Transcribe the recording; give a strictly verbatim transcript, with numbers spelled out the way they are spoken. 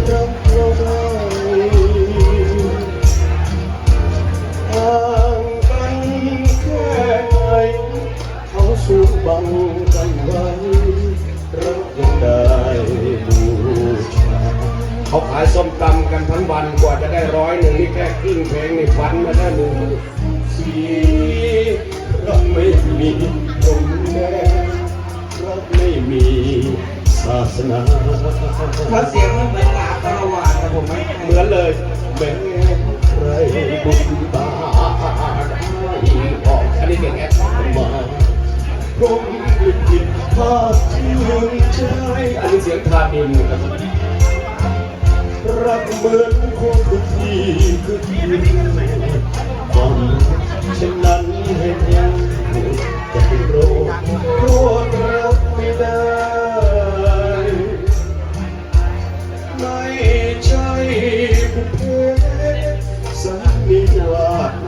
รักเราได้ห่างกันแค่ไหนเขาสูงบังกันไว้รักยังได้บูชาเขาขายส้มตำกันทั้งวันกว่าจะได้ร้อยหนึ่งนี่แค่ครึ่งเพลงนี่ฟันมาได้หนึ่งสีรักไม่มีตรงแน่รักไม่มีศาสนาเพราะเสียงมันเหมือนลาตลอดนะผมไม่เหมือนเลยแม้ใครบุญตาได้ออกอันนี้เสียงแอดมาผมผิดพลาดที่หนึ่งใจอันนี้เสียงทานินครับรักเหมือนคนทุกทีคือที่ความเช่นนั้นให้ยังจะเป็นโรคโรครักไม่ได้ไม่ใช่บุพเพสันนิวาส